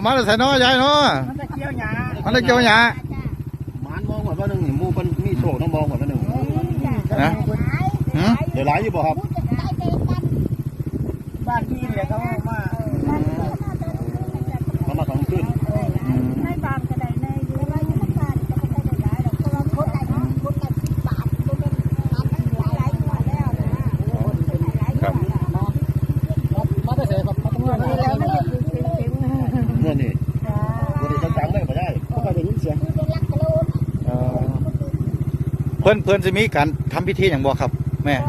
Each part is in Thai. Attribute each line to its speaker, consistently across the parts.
Speaker 1: มาแต่ใส่น้อยใหญ่เนาะ
Speaker 2: มันจะเกี่ยวหยา
Speaker 3: มันมองก่อนว่าหนึ่งมูเป็นมีโชคต้องมองก่อนว่าหนึ่ง
Speaker 1: นะ
Speaker 3: เดี๋ยวหลายอยู่บ่ครับ
Speaker 2: บ้านที่เนี่ยเขามา
Speaker 3: ทำขึ้น
Speaker 4: ในบ้านก็ได้ในอยู่ในบ้านก็ไม่ได้หลายหรอกเพราะว่าคนละ10 บาทก็เป็นหลายกว่าแล้วนะครับ
Speaker 2: มาได้เสียครับมาต้องเงิน
Speaker 4: แล้วมันจะคือ
Speaker 3: เงินนี่เงินนี่จังเลยไม่ได้
Speaker 2: ก็ไปได้ยินเสียง
Speaker 1: เพื่อนจะมีการทำพิธีอย่างบ่ครับแม่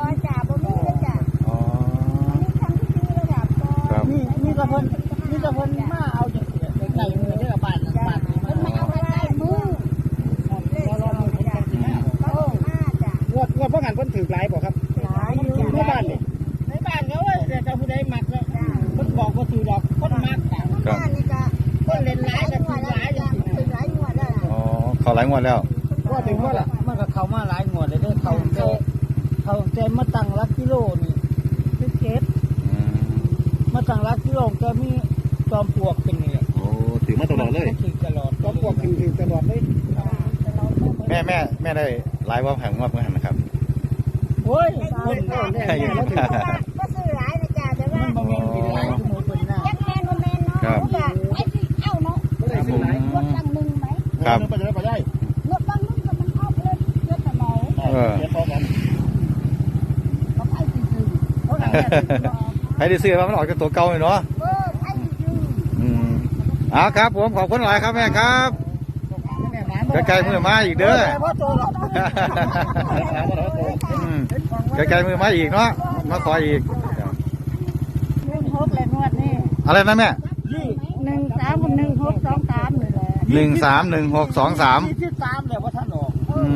Speaker 2: นี่กระพนมาเอาอย่างไก่มือได้กับบ้านว่าพ่อหันเพิ่นถือหลายบ่ครับในบ้านนี่ในบ้านเขาว่าจะผู้ใดมักก็เพิ่นบอกว่าถือดอกคนมักคนเล่นหลายก็ถือหลายอย่าง
Speaker 1: อ๋อเขาหลายงวดแล้ว
Speaker 2: ว่าถึงว่าล่ะมันก็เข้ามาหลายงวดเลยเด้อเขาเจมาตั้งรักกิโลนี่คือเก็บมาตั้งรักกิโลก็มีจอมปลวกเป็นนี่แหละ
Speaker 3: โอ้ถือมาตลอดเลย
Speaker 2: ถือตลอดจอมปลวกถือตลอดเลย
Speaker 1: แม่ได้หลายว่าแผงงวดเมื่อไหร่นะครับ
Speaker 2: โอ้ย
Speaker 4: คนก็ซื้อหลายนะจ๊ะแต่ว่า
Speaker 2: มันบ่แม่นกินหลายคือหมูเป็นหน้า
Speaker 4: ยักแมนบ่แมนเนาะไอ้ที่เอาเนาะรถตั้งนึงไหม
Speaker 1: ครับ
Speaker 3: ไปได้
Speaker 4: รถตั้งนึงก็มันเอาเลยรถตะเมา
Speaker 3: เดี๋ยวพอกัน
Speaker 4: เขาไปซื้อ
Speaker 1: ใครได้ซื้อว่ามันออกจากตัวเก่าเลยเนาะครับผมขอบคุณหลายครับแม่ครับไกลๆมือมาอีกเด้อไกลๆมือมาอีกเนาะมาขออีก
Speaker 4: 16เลยนวดนี่
Speaker 1: อะไรนะแม่
Speaker 4: 13กับ1623นี่แหละ
Speaker 1: 131623
Speaker 2: ที่3แล้วว่าท่านออก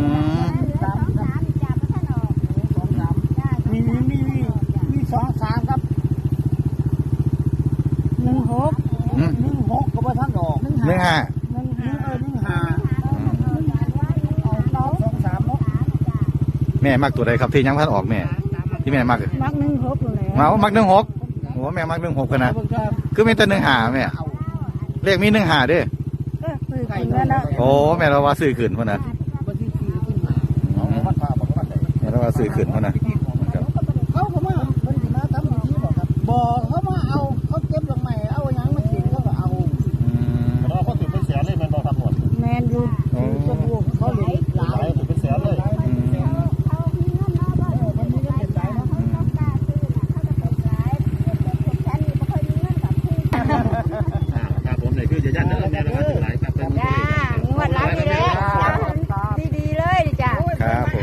Speaker 2: มี23ครับ16ก็ว่าท่านออก
Speaker 1: 15แม่มักตัวใดครับที่ยังพันออกแม่ที่แม่มัก
Speaker 4: 16เลย
Speaker 1: มัก16โอ้แม่มัก16กันนะคือมีแต่15แม่เลขมี15ด้วยโอ้แม่เราว่าซื้อขืนพอนะแม่เราว่าซื้อขืนพอนะ
Speaker 2: เขามาเป็นสิมาทำอย่างนี้บอกครับบอกเขามาเอาเขาเก็บลงใหม่เอาอย่างมากินเขาก็เอา
Speaker 3: เราเขาถือเป็นแสนเลยมันบอกทำหมด
Speaker 4: แมนอยู่
Speaker 2: ตัวพวกเขาเลยหลาย
Speaker 3: ถือเป็นแสนเลยครับผมเลยคือจะยันเด้อแม่เราถือหลายครับเป็น
Speaker 4: งวดละดีเลยดีเลยจ้ะ
Speaker 1: ครับผม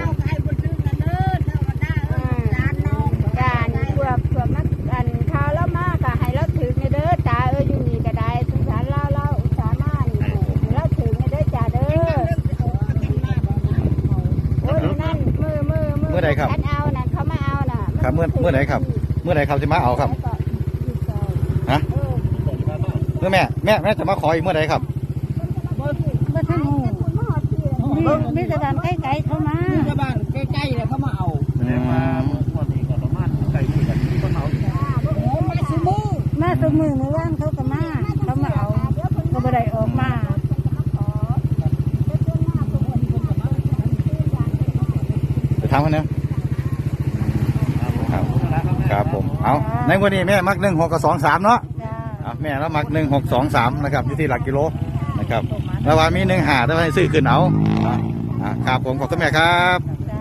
Speaker 1: เมื่อใดครับ
Speaker 4: เอาน่ะเขามาเอาน่ะ
Speaker 1: ครับเมื่อไหนครับจะมาเอาครับฮะเมื่อแม่จะมาขออีกเมื่อไหร่ครับ
Speaker 4: บ่ทันมีสถานใกล้ๆเข้ามา
Speaker 2: ชาวบ้านใกล้ๆเลยเขามาเอา
Speaker 3: วันนี้ก็ประมาณใกล้ที่กันที่ต้นเมา
Speaker 4: มาสมือเมื่อวานเขาก็มาเอาก็บ่ได้ออกมา
Speaker 1: จะทำกันเนาะครับผมเอาในวันนี้แม่มัก16กับ23เนาะแม่แล้วมัก1623นะครับอยู่ที่หลักกิโลนะครับแล้วว่ามี15แต่ว่าให้ซื้อขึ้นเอาครับผมขอบคุณแม่ครับ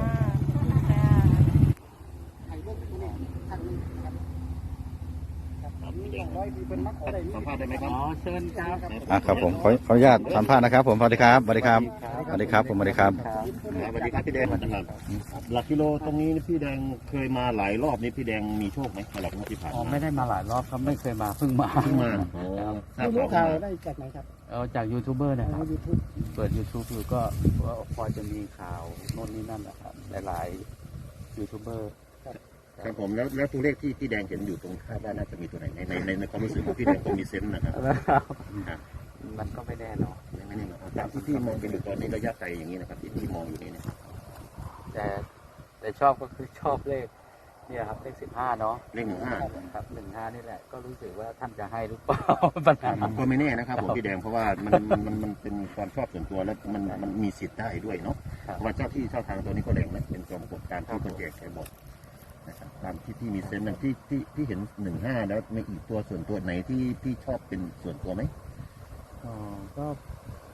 Speaker 3: สัมภาษณ์ได้ไหมครับ
Speaker 2: เชิญ
Speaker 1: ครับผมขออนุญาตสัมภาษณ์นะครับผมสวัสดีครับสวัสดีครับสวัสดีครับผมสวัสดีครับ
Speaker 3: สวัสดีครับพี่แดงหลักกิโลตรงนี้พี่แดงเคยมาหลายรอบนี้พี่แดงมีโชคไหมหลักงวดที่ผ่านมา
Speaker 2: ไม่ได้มาหลายรอบครับไม่เคยมาเพิ่งมารู้ข่าวได้จากไหนครับจากยูทูบเบอร์นะครับเปิด YouTube อยู่ก็พอจะมีข่าวโน่นนี่นั่นนะครับหลายๆยูทูบเบอร์
Speaker 3: ครับผมแล้วตัวเลขที่พี่แดงเห็นอยู่ตรงคาดว่าน่าจะมีตัวไหนในความรู้สึกของพี่แดงคงมีเซนส์นะครับ
Speaker 2: มันก็ไม่แน่นอน
Speaker 3: ไม่แน่นอนจากที่พี่มองเป็นอยู่ตอนนี้ระยะไกลอย่างนี้นะครับที่พี่มองอยู่นี่เนี่ย
Speaker 2: แต่ชอบก็คือชอบเลขเนี่ยครับเลข15เนาะ
Speaker 3: เลข15
Speaker 2: ครับ15นี่แหละก็รู้สึกว่าท่านจะให้หรือเปล่า ปัญหา
Speaker 3: ก็ไม่แน่นะครับผมพี่แดงเพราะว่ามันเป็นความชอบส่วนตัวแล้วมันมีสิทธิ์ได้ด้วยเนาะเพราะว่าเจ้าที่เจ้าทางตัวนี้ก็แรงนะเป็นจอมปลวกตามที่คนแจกแกบอกนะครับตามที่มีเซนส์นะที่เห็น15แล้วมีอีกตัวส่วนตัวไหนที่ชอบเป็นส่วนตัวไหม
Speaker 2: ก็